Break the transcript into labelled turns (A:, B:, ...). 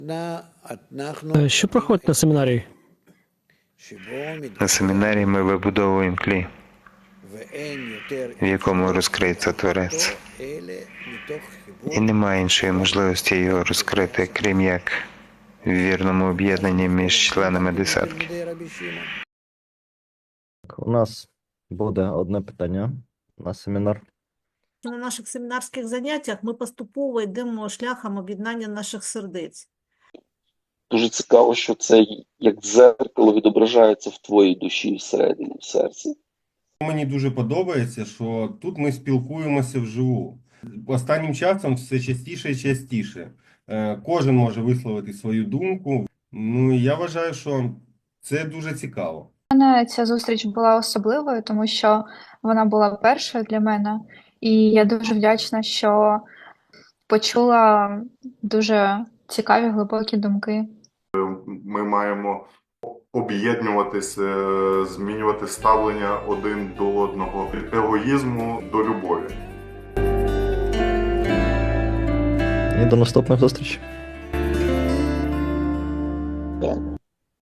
A: Що проходить на семінарії?
B: На семінарі ми вибудовуємо клей, в якому розкриється Творець. І немає іншої можливості його розкрити, крім як в вірному об'єднанні між членами десятки.
C: У нас буде одне питання на семінар.
D: На наших семінарських заняттях ми поступово йдемо шляхом об'єднання наших сердець.
E: Дуже цікаво, що це як дзеркало відображається в твоїй душі всередині, в серці.
F: Мені дуже подобається, що тут ми спілкуємося вживу. Останнім часом все частіше і частіше. Кожен може висловити свою думку. Ну, і я вважаю, що це дуже цікаво.
G: Ця зустріч була особливою, тому що вона була першою для мене. І я дуже вдячна, що почула дуже цікаві, глибокі думки.
H: Ми маємо об'єднуватися, змінювати ставлення один до одного, від егоїзму до любові.
C: І до наступних зустрічей.